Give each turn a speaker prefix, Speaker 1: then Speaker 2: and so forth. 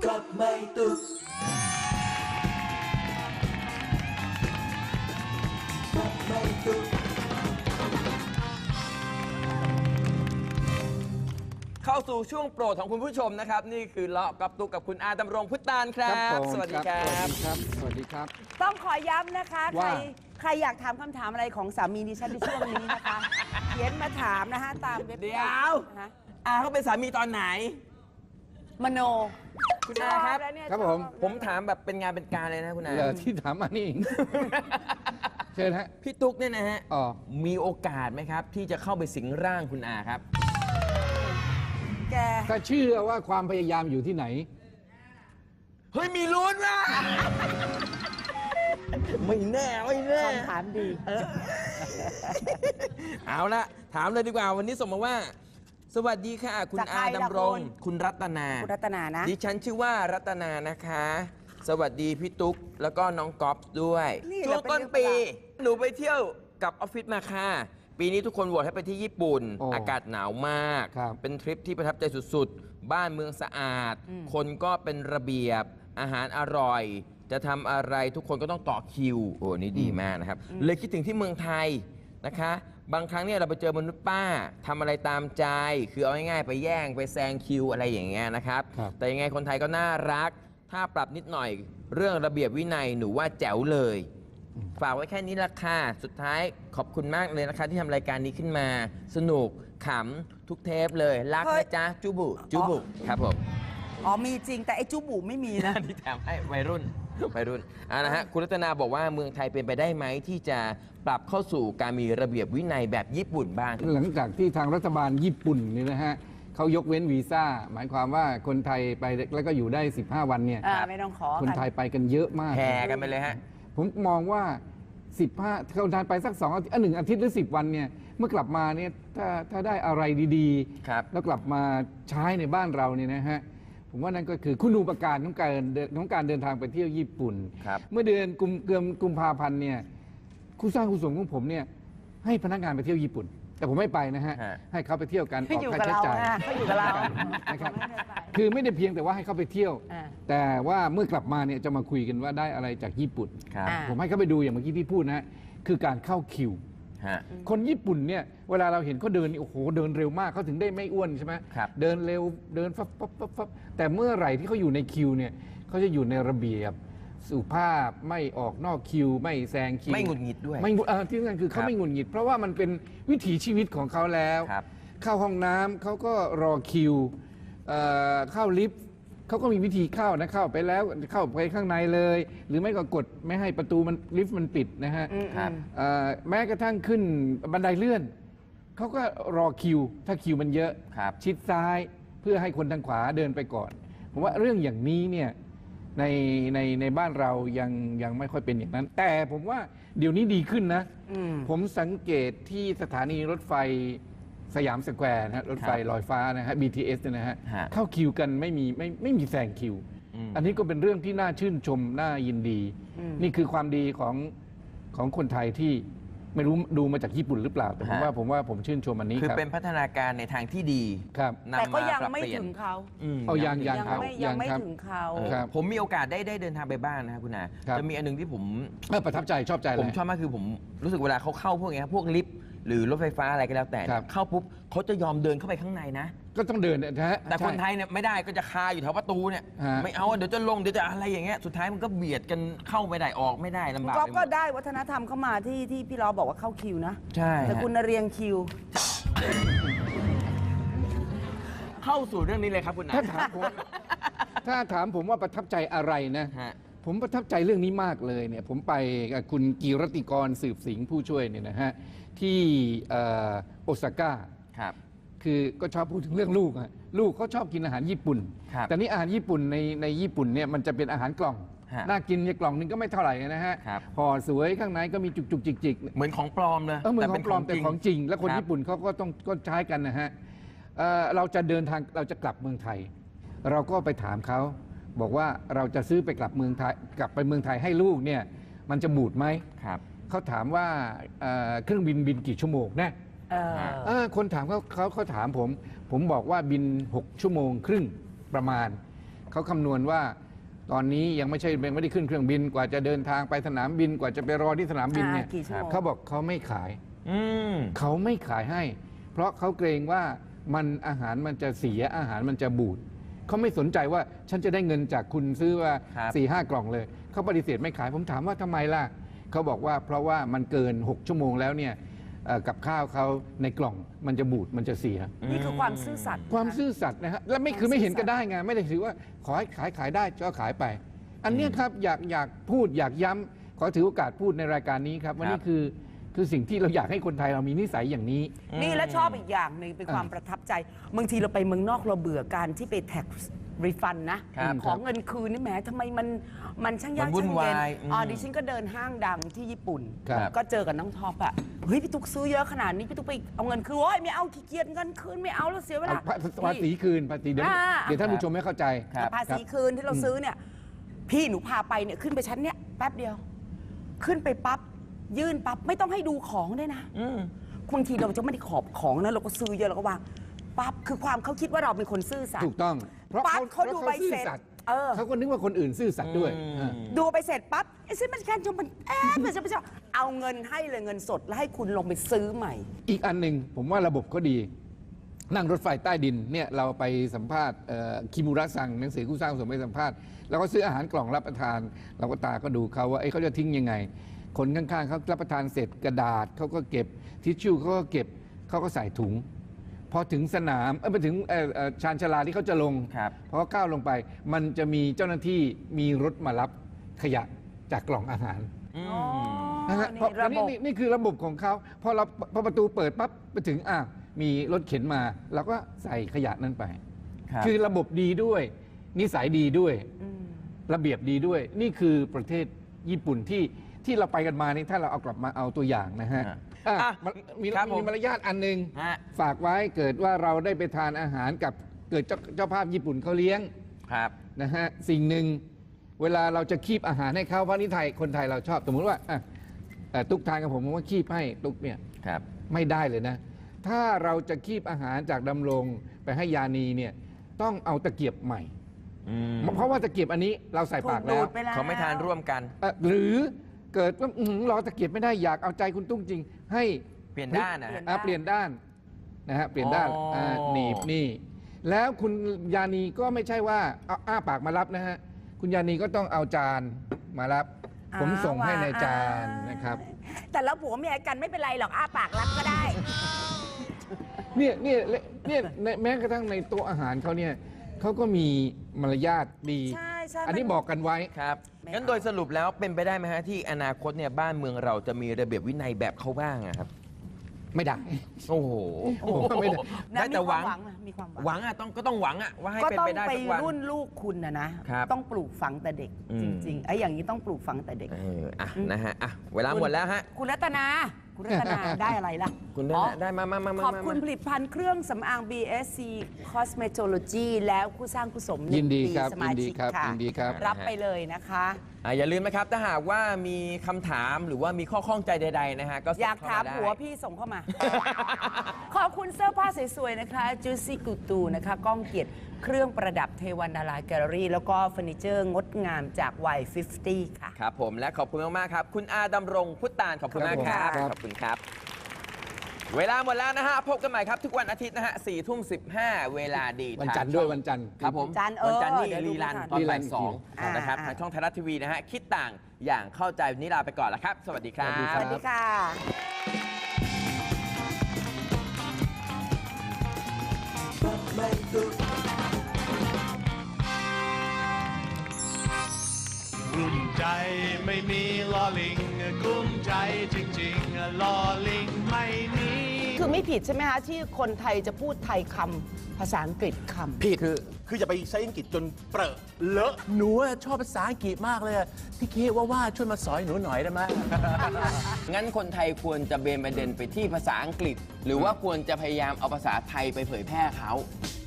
Speaker 1: รับไม่ตุกรับไม่ตุก
Speaker 2: เข้าสู่ช่วงโปรดของคุณผู้ชมนะครับนี่คือเลาะกับตุกกับคุณอาดำรงพุทธานครับ สวัสดีครับ
Speaker 3: สวัสดีครับ
Speaker 4: ต้องขอย้ำนะคะ
Speaker 3: ว่า
Speaker 4: ใครอยากถามคำถามอะไรของสามีดิฉันในช่วงนี้นะคะ เขียนมาถามนะคะตามเว็บ
Speaker 2: เดี๋ยว
Speaker 4: นะคะ
Speaker 2: อาเขาเป็นสามีตอนไหน
Speaker 4: มโน
Speaker 2: คุณอาครับ
Speaker 4: ชแล้วเนี่ย
Speaker 3: ครับ
Speaker 4: ชอ
Speaker 3: ผม
Speaker 2: ผมถามแบบเป็นงานเป็นการเลยนะคุณอา
Speaker 3: เหรอที่ถามมานี่เอง เชิญฮะ
Speaker 2: พี่ตุ๊กเนี่ยนะฮะ
Speaker 3: อ๋อ
Speaker 2: มีโอกาสไหมครับ ที่จะเข้าไปสิงร่างคุณอาครับ
Speaker 4: แก
Speaker 3: ถ้าเชื่อว่าความพยายามอยู่ที่ไหน
Speaker 2: เฮ้ยมีลุ้นว่ะไม่แน่ไม่แน่
Speaker 4: คำถามดี
Speaker 2: เอาละถามเลยดีกว่าวันนี้ส่งมาว่า สวัสดีค่ะ คุณ
Speaker 4: จากใคร
Speaker 2: อา
Speaker 4: ล่ะ
Speaker 2: ดำรง
Speaker 4: คุณ
Speaker 2: คุณรัตนา
Speaker 4: คุณรัตนานะ
Speaker 2: ดิฉันชื่อว่ารัตนานะคะ สวัสดีพี่ตุ๊กแล้วก็น้องก๊อฟด้วย
Speaker 4: นี่
Speaker 2: ช่วง
Speaker 4: แหละ
Speaker 2: ต้น
Speaker 4: เป็
Speaker 2: ปี
Speaker 4: นเรื่องราว
Speaker 2: หนูไปเที่ยวกับออฟฟิศมาค่ะ ปีนี้ทุกคนโหวตให้ไปที่ญี่ปุ่น
Speaker 3: โอ้
Speaker 2: อากาศหนาวมาก
Speaker 3: ครับ
Speaker 2: เป็นทริปที่ประทับใจสุดๆ บ้านเมืองสะอาด คนก็เป็นระเบียบ อาหารอร่อย จะทำอะไรทุกคนก็ต้องต่อคิว โอ้นี่ดีมากนะครับ เลยคิดถึงที่เมืองไทยนะคะ บางครั้งเนี่ยเราไปเจอมนุษย์ป้าทำอะไรตามใจ คือเอาง่ายๆไปแย่งไปแซงคิวอะไรอย่างเงี้ยนะครับ
Speaker 3: ครับ
Speaker 2: แต่ยังไงคนไทยก็น่ารัก ถ้าปรับนิดหน่อย เรื่องระเบียบวินัยหนูว่าแจ๋วเลย ฝากไว้แค่นี้ละค่ะ สุดท้ายขอบคุณมากเลยนะคะที่ทำรายการนี้ขึ้นมา สนุกขำทุกเทปเลย รัก
Speaker 4: เฮ้ย
Speaker 2: นะจ๊ะ จุบุ จุบุ ครับผม
Speaker 4: อ๋อมีจริงแต่ไอ้จุบุไม่มีนะ
Speaker 2: ที่แถมให้วัยรุ่นวัยรุ่นนะฮะคุณรัตนาบอกว่าเมืองไทยเป็นไปได้ไหมที่จะปรับเข้าสู่การมีระเบียบวินัยแบบญี่ปุ่นบ้าง
Speaker 3: หลังจากที่ทางรัฐบาลญี่ปุ่นนี่นะฮะเขายกเว้นวีซ่า หมายความว่าคนไทยไปแล้วก็อยู่ได้ 15 วันเนี่ย
Speaker 4: ไม่ต้องขอ
Speaker 3: คน
Speaker 4: กัน
Speaker 3: ไทยไปกันเยอะมาก
Speaker 2: แห่กันไปเลยฮะ
Speaker 3: ผมมองว่า 15คนไทยไปสัก2อาทิตย์1อาทิตย์หรือ 10 วันเนี่ยเมื่อกลับมาเนี่ยถ้าได้อะไรดี
Speaker 2: ครับ
Speaker 3: แล้วกลับมาใช้ในบ้านเราเนี่ยนะฮะผมว่านั่นก็คือคุณูปการของการเดินทางไปเที่ยวญี่ปุ่น
Speaker 2: ครับ
Speaker 3: เมื่อเดือนกุมภาพันธ์เนี่ยคู่สร้างคู่สมของผมเนี่ยให้พนักงานไปเที่ยวญี่ปุ่น แต่ผมไม่ไปนะฮะ
Speaker 2: ฮะ
Speaker 3: ให้เขาไปเที่ยวกัน
Speaker 4: เขา
Speaker 3: ออก
Speaker 4: อยู่
Speaker 3: ค่า
Speaker 4: กับ
Speaker 3: ใช้
Speaker 4: เรา
Speaker 3: จ่าย
Speaker 4: นะเขาอยู่กับเรา
Speaker 3: นะครับ
Speaker 4: ไม่ได้ไป
Speaker 3: คือไม่ได้เพียงแต่ว่าให้เขาไปเที่ยว
Speaker 4: อ่า
Speaker 3: แต่ว่าเมื่อกลับมาเนี่ยจะมาคุยกันว่าได้อะไรจากญี่ปุ่น
Speaker 2: ครับ
Speaker 4: อ่า
Speaker 3: ผมให้เขาไปดูอย่างเมื่อกี้ที่พูดนะฮะคือการเข้าคิว
Speaker 2: ฮะ
Speaker 3: คนญี่ปุ่นเนี่ยเวลาเราเห็นเขาเดินนี่โอ้โหเดินเร็วมากเขาถึงได้ไม่อ้วนใช่ไหม
Speaker 2: ครับ
Speaker 3: เดินเร็วเดินฟับฟับฟับฟับแต่เมื่อไหร่ที่เขาอยู่ในคิวเนี่ยเขาจะอยู่ในระเบียบสุภาพไม่ออกนอกคิว ไม่แซงคิว
Speaker 2: ไม่หงุดหงิดด้วย
Speaker 3: ไม่หงุดที่สำคัญคือเขา
Speaker 2: ครับ
Speaker 3: ไม่หงุดหงิด เพราะว่ามันเป็นวิถีชีวิตของเขาแล้ว
Speaker 2: ครับ
Speaker 3: เข้าห้องน้ำเขาก็รอคิวเข้าลิฟต์เขาก็มีวิธีเข้านะเข้าไปแล้วเข้าไปข้างในเลย หรือไม่ก็กดไม่ให้ประตูมันลิฟต์มันปิดนะฮะ
Speaker 2: ครับ
Speaker 3: แม้กระทั่งขึ้นบันไดเลื่อนเขาก็รอคิว ถ้าคิวมันเยอะ
Speaker 2: ครับ
Speaker 3: ชิดซ้ายเพื่อให้คนทางขวาเดินไปก่อน ผมว่าเรื่องอย่างนี้เนี่ยในบ้านเรายังไม่ค่อยเป็นอย่างนั้น แต่ผมว่าเดี๋ยวนี้ดีขึ้นนะ ผมสังเกตที่สถานีรถไฟสยามสแควร์นะฮะรถไฟลอยฟ้านะฮะ BTS เนี่ยนะฮะ
Speaker 2: ฮะ
Speaker 3: เข้าคิวกันไม่มีแซงคิว อันนี้ก็เป็นเรื่องที่น่าชื่นชมน่ายินดี นี่คือความดีของคนไทยที่ไม่รู้ดูมาจากญี่ปุ่นหรือเปล่า แต่ผม
Speaker 2: ฮะ
Speaker 3: ว่าผมชื่นชมอันนี้
Speaker 2: คือ
Speaker 3: ครับ
Speaker 2: เป็นพัฒนาการในทางที่ดี
Speaker 3: ครับ
Speaker 4: แต่
Speaker 2: นำ
Speaker 4: ก็
Speaker 2: มา
Speaker 4: ยัง
Speaker 2: ปรับ
Speaker 4: ไม่
Speaker 2: เปลี่ยน
Speaker 4: ถึงเขา
Speaker 3: เอายัง
Speaker 4: ยัง
Speaker 3: ครับ
Speaker 4: ยังไม่
Speaker 3: ครับ
Speaker 4: ถึงเขา
Speaker 3: ครับ
Speaker 2: ผมมีโอกาสได้เดินทางไปบ้านนะครับคุณอา
Speaker 3: ครับ
Speaker 2: จะมีอันหนึงที่ผม
Speaker 3: ประทับใจชอบใจ
Speaker 2: ผม
Speaker 3: เลย
Speaker 2: ชอบมากคือผมรู้สึกเวลาเขาเข้าพวกเนี้ยพวกลิฟต์หรือรถไฟฟ้าอะไรก็แล้วแต่เนี่ย
Speaker 3: ครับ
Speaker 2: เข้าปุ๊บเขาจะยอมเดินเข้าไปข้างในนะ
Speaker 3: ก็ต้องเดินนะฮะ
Speaker 2: แต่คน
Speaker 3: ใช่
Speaker 2: ไทยเนี่ยไม่ได้ก็จะคาอยู่แถวประตูเนี่ย
Speaker 3: ฮะ
Speaker 2: ไม่เอาเดี๋ยวจะลงเดี๋ยวจะอะไรอย่างเงี้ยสุดท้ายมันก็เบียดกันเข้าไม่ได้ออกไม่ได้ลำบาก
Speaker 4: ก็
Speaker 2: ไปหม
Speaker 4: ก็
Speaker 2: ด
Speaker 4: ได้วัฒนธรรมเข้ามาที่พี่ล้อบอกว่าเข้าคิวนะ
Speaker 2: ใช่
Speaker 4: แต่
Speaker 2: ฮะ
Speaker 4: คุณน่ะเรียงคิว
Speaker 2: เข้าสู่เรื่องนี้เลยครับคุณอา
Speaker 3: ถ้าถามผมว่าประทับใจอะไรนะ
Speaker 2: ฮะ
Speaker 3: ผมประทับใจเรื่องนี้มากเลยเนี่ยผมไปกับคุณกีรติกรสืบสิงห์ผู้ช่วยเนี่ยนะฮะที่โอซาก้า
Speaker 2: ครับ
Speaker 3: คือก็ชอบพูดถึงเรื่องลูกอะลูกเขาชอบกินอาหารญี่ปุ่น
Speaker 2: ครับ
Speaker 3: แต่นี่อาหารญี่ปุ่นในญี่ปุ่นเนี่ยมันจะเป็นอาหารกล่อง
Speaker 2: ฮะ
Speaker 3: น่ากินเนี่ยกล่องนึงก็ไม่เท่าไหร่นะฮะ
Speaker 2: ครับ
Speaker 3: ห่อสวยข้างในก็มีจุกจิก
Speaker 2: เหมือนของปลอมเลย
Speaker 3: เหมือนของปลอมแต่ของจริง และคน
Speaker 2: รับ
Speaker 3: ญี่ปุ่นเขาก็ต้องก็ใช้กันนะฮะเราจะเดินทางเราจะกลับเมืองไทย เราก็ไปถามเขาบอกว่าเราจะซื้อไปกลับเมืองไทยกลับไปเมืองไทยให้ลูกเนี่ยมันจะบูดไหม
Speaker 2: ครับ
Speaker 3: เขาถามว่าเครื่องบินกี่ชั่วโมงนะ คนถามเขาถามผมบอกว่าบิน6 ชั่วโมงครึ่งประมาณเขาคำนวณว่าตอนนี้ยังไม่ได้ขึ้นเครื่องบินกว่าจะเดินทางไปสนามบินกว่าจะไปรอที่สนามบินเนี่ย
Speaker 4: กี่ชั่วโมง
Speaker 3: เขาบอกเขาไม่ขาย
Speaker 2: อืม
Speaker 3: เขาไม่ขายให้ เพราะเขาเกรงว่าอาหารมันจะเสียอาหารมันจะบูดเขาไม่สนใจว่าฉันจะได้เงินจากคุณซื้อว่า
Speaker 2: ครับ
Speaker 3: 4-5 กล่องเลยเขาปฏิเสธไม่ขายผมถามว่าทำไมล่ะเขาบอกว่าเพราะว่ามันเกิน 6 ชั่วโมงแล้วเนี่ยกับข้าวเขาในกล่องมันจะบูดมันจะเสีย
Speaker 4: นี่คือความซื่อสัตย์
Speaker 3: ความซื่อสัตย์นะฮะและไม่คือไม่เห็นก็ได้ไงไม่ได้ถือว่าขอให้ขายได้ก็ขายไป อันเนี้ยครับอยากพูดอยากย้ำขอถือโอกาสพูดในรายการนี้ครับว่านี่คือสิ่งที่เราอยากให้คนไทยเรามีนิสัยอย่างนี้
Speaker 4: นี่แล้วชอบอีกอย่างหนึ่งเป็นความประทับใจบางทีเราไปเมืองนอกเราเบื่อการที่ไปแท็กรีฟันนะครับ ของเงินคืนนี่แหมทำไมมันช่างยาก
Speaker 2: มันวุ่น
Speaker 4: ช่างเย็น
Speaker 2: วาย
Speaker 4: ดิฉันก็เดินห้างดังที่ญี่ปุ่น
Speaker 3: ครับ
Speaker 4: ก็เจอกับน้องท็อปอะเฮ้ยพี่ตุ๊กซื้อเยอะขนาดนี้พี่ตุ๊กไปเอาเงินคืนโอ้ยไม่เอาขี้เกียจเงินคืนไม่เอาแล้วเสียเวลา
Speaker 3: ภาษีคืนภาษีเดี๋ยว
Speaker 4: อ่า
Speaker 3: เดี๋ยวท่านผู้ชมไม่เข้าใจ
Speaker 2: ครับ
Speaker 4: ภาษีคืนที่เราซื้อเนี่ยพี่หนูพาไปเนี่ยขึ้นไปชั้นเนี่ยแป๊บเดียว ขึ้นไปปั๊บยื่นปั๊บไม่ต้องให้ดูของด้วยนะ
Speaker 2: อืม
Speaker 4: บางทีเราจะไม่ได้ขอบของนะเราก็ซื้อเยอะเราก็วางปั๊บคือความเขาคิดว่าเราเป็นคนซื่อสัต
Speaker 3: ถู
Speaker 4: ย์
Speaker 3: กต้อง เพราะ
Speaker 4: ปั๊บเขาดูใบ
Speaker 3: ซื่อ
Speaker 4: เสร็จ
Speaker 3: สัตย์
Speaker 4: เขา
Speaker 3: ก็นึกว่าคนอื่นซื่อสัตย์ด้วย
Speaker 2: อืม
Speaker 4: ดูไปเสร็จปั๊บไอ้ซื้อมันแค่จนมันมันจะเอาเงินให้เลยเงินสดแล้วให้คุณลงไปซื้อใหม่
Speaker 3: อีกอันหนึ่งผมว่าระบบก็ดี นั่งรถไฟใต้ดินเนี่ยเราไปสัมภาษณ์คิมูระซังหนังสือคู่สร้างสมไปสัมภาษณ์เราก็ซื้ออาหารกล่องรับประทาน เราก็ตาก็ดูเขาว่าเขาจะทิ้งยังไง คนข้างๆเขารับประทานเสร็จกระดาษเขาก็เก็บทิชชู่เขาก็เก็บเขาก็ใส่ถุง พอถึงสนามไปถึงชานชาลาที่เขาจะลง
Speaker 2: ครับ
Speaker 3: พอก้าวลงไป มันจะมีเจ้าหน้าที่มีรถมารับขยะจากกล่องอาหาร
Speaker 2: อืม
Speaker 3: นะฮะเพราะ
Speaker 4: ระบบ
Speaker 3: นี่คือระบบของเขาพอประตูเปิดปั๊บไปถึงมีรถเข็นมาเราก็ใส่ขยะนั้นไป
Speaker 2: ครับ
Speaker 3: คือระบบดีด้วย นิสัยดีด้วย ระเบียบดีด้วย นี่คือประเทศญี่ปุ่นที่เราไปกันมานี่ถ้าเราเอากลับมาเอาตัวอย่างนะฮะ
Speaker 2: อ่ะ
Speaker 3: มี
Speaker 2: ครับผม
Speaker 3: มารยาทอันหนึ่ง
Speaker 2: ฮะ
Speaker 3: ฝากไว้เกิดว่าเราได้ไปทานอาหารกับเกิดเจ้าภาพญี่ปุ่นเขาเลี้ยง
Speaker 2: ครับ
Speaker 3: นะฮะสิ่งหนึ่งเวลาเราจะคีบอาหารให้เขาเพราะนี่คนไทยเราชอบสมมติว่าตุ๊กทานกับผมว่าคีบให้ตุ๊กเนี่ย
Speaker 2: ครับ
Speaker 3: ไม่ได้เลยนะ ถ้าเราจะคีบอาหารจากดำรงไปให้ยานีเนี่ยต้องเอาตะเกียบใหม่
Speaker 2: อืม
Speaker 3: เพราะว่าตะเกียบอันนี้เราใส่ปากแล้ว
Speaker 4: ไปแล้ว
Speaker 2: เขาไม่ทานร่วมกัน
Speaker 3: หรือเกิดว่ารอตะเกียบไม่ได้อยากเอาใจคุณตุ้งจริง ให้
Speaker 2: เปลี่ยนด้านนะฮะ
Speaker 3: เปลี่ยนด้านนะฮะเปลี่ยนด้าน
Speaker 2: อ๋อ
Speaker 3: หนีบนี่ แล้วคุณยานีก็ไม่ใช่ว่าเอาอ้าปากมารับนะฮะคุณยานีก็ต้องเอาจานมารับ ผมส่งให้ในจานนะครับ
Speaker 4: แต่แล้วผัวเมียกันไม่เป็นไรหรอกอ้าปากรับก็ได้
Speaker 3: เนี่ยแม้กระทั่งในโต๊ะอาหารเขาเนี่ยเขาก็มีมารยาทดี
Speaker 4: ใช่ใช่
Speaker 3: อันนี้บอกกันไว้
Speaker 2: ครับ
Speaker 4: ไม่
Speaker 2: งั้น
Speaker 4: เอา
Speaker 2: โดยสรุปแล้วเป็นไปได้ไหมฮะที่อนาคตเนี่ยบ้านเมืองเราจะมีระเบียบวินัยแบบเขาบ้างอะครับ
Speaker 3: ไม่ได้
Speaker 2: โอ้โห
Speaker 3: ไม่ได้
Speaker 2: ได้แต่หวัง
Speaker 4: มีความหวัง
Speaker 2: หวังอะต้องหวังอะว่าให้
Speaker 4: ก็
Speaker 2: เป็น
Speaker 4: ต้อง
Speaker 2: ไปได้
Speaker 4: ไป
Speaker 2: สักวัน
Speaker 4: รุ่นลูกคุณนะครับ ต้องปลูกฝังแต่เด็ก
Speaker 2: อืม
Speaker 4: จริงๆไอ้อย่างนี้ต้องปลูกฝังแต่เด็ก
Speaker 2: นะฮะเวลาหมดแล้วฮะ
Speaker 4: คุณรัตนาได้อะไรล่ะ
Speaker 2: คุณได้
Speaker 4: อ๋อ
Speaker 2: ได้มา
Speaker 4: ขอบคุณผลิตภัณฑ์เครื่องสำอาง BSC Cosmetology แล้วคู่สร้างคู่สม
Speaker 3: ยินดี
Speaker 4: 1 ปี
Speaker 3: ครับ
Speaker 4: สมาชิกค่ะ
Speaker 3: ยินดีครับ
Speaker 4: รับไปเลยนะคะ
Speaker 2: อย่าลืมนะครับ ถ้าหากว่ามีคำถามหรือว่ามีข้อข้องใจใด ๆ นะฮะ ก็ส่ง
Speaker 4: อยาก
Speaker 2: เข้
Speaker 4: ถาม
Speaker 2: ได้
Speaker 4: ผัวพี่ส่งเข้ามา ขอบคุณเสื้อผ้าสวยๆนะคะ Juicy Gutu นะคะก้องเกียรติเครื่องประดับเทวันดาราแกลเลอรี่แล้วก็เฟอร์นิเจอร์งดงามจาก Y50 ค่ะ
Speaker 2: ครับผมและขอบคุณมาก ๆ ครับ คุณอาดำรงพุทธานขอบคุณมากครับ
Speaker 3: ครับ
Speaker 2: ขอบคุณครับ เวลาหมดแล้วนะฮะ พบกันใหม่ครับ ทุกวันอาทิตย์นะฮะ 4:15 เวลาดี
Speaker 3: วันจันทร์
Speaker 2: ทาง
Speaker 3: ด้วย
Speaker 2: ช่อง
Speaker 3: วันจันทร์
Speaker 2: ครับผม
Speaker 4: จันทร์
Speaker 2: วันจันทร์นี่
Speaker 4: เดี๋ยวดู
Speaker 2: รีรัน
Speaker 4: ไม่ทัน
Speaker 2: ตอน
Speaker 3: รีรั
Speaker 2: บ่าน ย
Speaker 3: อีก
Speaker 2: สอง
Speaker 3: ที
Speaker 2: นะครับ
Speaker 4: อ่า
Speaker 2: ทางช่องไทยรัฐทีวีนะฮะ คิดต่างอย่างเข้าใจวันนี้ลาไปก่อนแล้วครับ สวัสดีครั
Speaker 3: สวัสดี
Speaker 2: บ
Speaker 3: ค
Speaker 4: ส
Speaker 3: รับ
Speaker 4: วัสดีค่ะ
Speaker 1: ไม่ตุก
Speaker 5: กลุ้มใจไม่มีลอลิงกลุ้มใจจริงๆลอลิงไม่มี
Speaker 4: คือไม่ผิดใช่ไหมคะ ที่คนไทยจะพูดไทยคำภาษาอังกฤษคำ
Speaker 6: ผิดคืออย่าไปใช้อังกฤษจนเปรอะเลอะ
Speaker 7: หนูอะชอบภาษาอังกฤษมากเลยอะพี่เคว่าช่วยมาสอนหนูหน่อยได้ไหม
Speaker 2: งั้นคนไทยควรจะเบนประเด็นไปที่ภาษาอังกฤษ หรือว่าควรจะพยายามเอาภาษาไทยไปเผยแพร่เขา